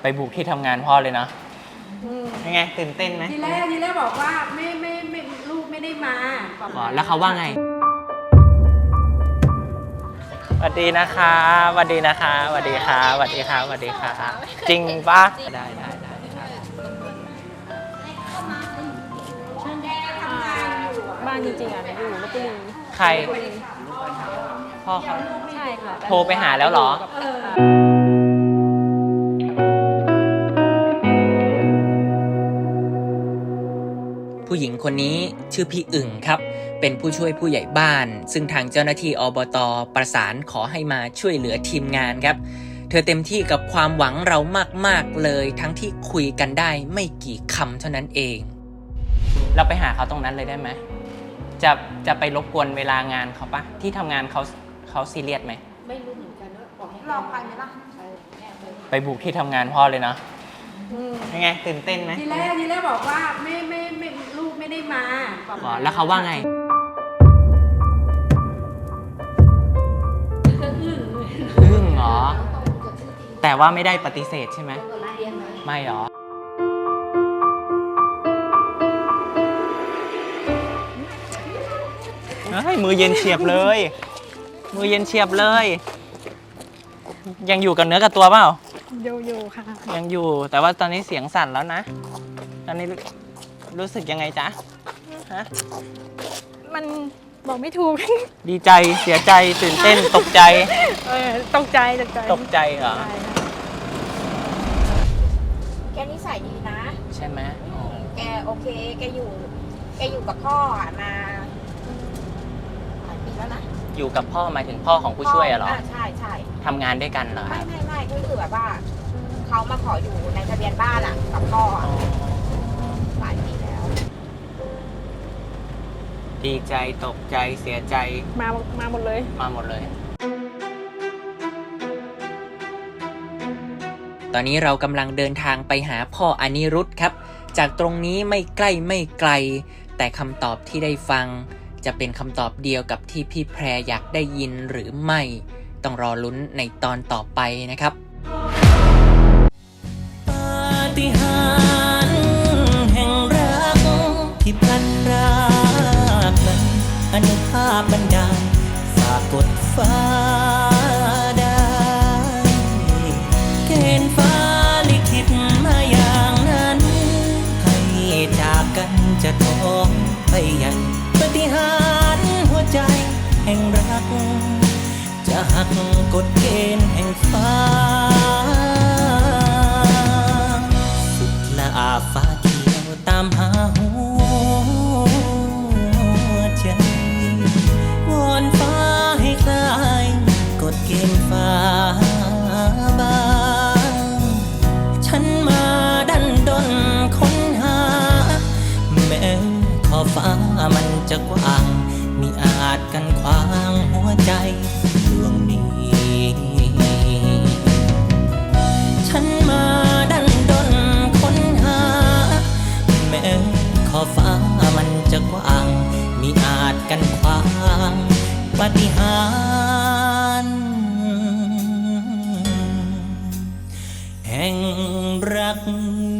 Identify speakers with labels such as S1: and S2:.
S1: ไปบุกที่ทำงานพ่อเลยเนาะยังไงตื่นเต้นไหม
S2: ทีแรกบอกว่าไม่ลูกไม่ได้มา
S1: แล้วเขาว่าไงสวัสดีนะคะสวัสดีนะคะสวัสดีค่ะสวัสดีค่ะสวัสดีค่ะจริงปะได้
S3: บ้านจริงๆอ่ะอยู่ลพบุรี
S1: ใครพ่อเขา
S3: ใช่ค่ะ
S1: โทรไปหาแล้วเหรอผู้หญิงคนนี้ชื่อพี่อึ่งครับเป็นผู้ช่วยผู้ใหญ่บ้านซึ่งทางเจ้าหน้าที่อบต.ประสานขอให้มาช่วยเหลือทีมงานครับเธอเต็มที่กับความหวังเรามากๆเลยทั้งที่คุยกันได้ไม่กี่คำเท่านั้นเองเราไปหาเขาตรงนั้นเลยได้ไหมจะไปรบกวนเวลางานเขาปะที่ทำงานเขาซีเรียสไหม
S2: ไม่รู้เหมือนกันว่าบอกให้
S4: ลองไปไหมล่ะ
S1: ไปบุกที่ทำงานพ่อเลยเนาะยังไงตื่นเต้นไหม
S2: ทีแรกบอกว่าไม่ลูกไม่ได้มา
S1: แล้วเขาว่าไงอึ้งเหรอแต่ว่าไม่ได้ปฏิเสธใช่ไหมไม่หรอมือเย็นเฉียบเลยมือเย็นเฉียบเลยยังอยู่กับเนื้อกับตัวเปล่า
S3: อยู่ค่ะ
S1: ยังอยู่แต่ว่าตอนนี้เสียงสั่นแล้วนะตอนนี้รู้สึกยังไงจ๊ะฮะ
S3: มันบอกไม่ถูก
S1: ดีใจเสียใจตื่นเต้นตกใจ
S3: ตกใจ
S1: เหรอ
S4: แกนิสัยดีนะ
S1: ใช่ไหม
S4: แกโอเคแกอยู่กับพ่อมาหลายปีแล้วนะ
S1: อยู่กับพ่อหมายถึงพ่อของผู้ช่วยเหรอ
S4: ใช่
S1: ทำงานด้วยกันเหรอ
S4: ไม่ก็คือแบบว่าเขามาขออยู่ในทะเบียนบ้านกับพ่อหลายปีแล้ว
S1: ดีใจตกใจเสียใจ
S3: มาหมดเลย
S1: ตอนนี้เรากำลังเดินทางไปหาพ่ออนิรุทธครับจากตรงนี้ไม่ใกล้ไม่ไกลแต่คำตอบที่ได้ฟังจะเป็นคำตอบเดียวกับที่พี่แพรอยากได้ยินหรือไม่ต้องรอลุ้นในตอนต่อไปนะครับปาฏิหาริย์แห่งรักที่พลันพรากนั้นอนุภาพบันดาลฝากกดฟ้าได้เกณฑ์ฟ้าลิขิตมาอย่างนั้นให้จากกันจะท้องไปยังปาฏิหาริย์หัวใจแห่งรักจะหักกฎเกณฑ์แห่งฟ้าสุดละอาฟ้าเขียวตามหาหัวใจวอนฟ้าให้คลายกฎเกณฑ์ฟ้าบางฉันมาดันดนค้นหาแม้ขอบฟ้ามันจะกว้างมิอาจกันขวางหัวใจดวงนี้ฉันมาดันดนค้นหาแม้ขอบฟ้ามันจะกว้างมิอาจกันขวางปาฏิหาริย์แห่งรัก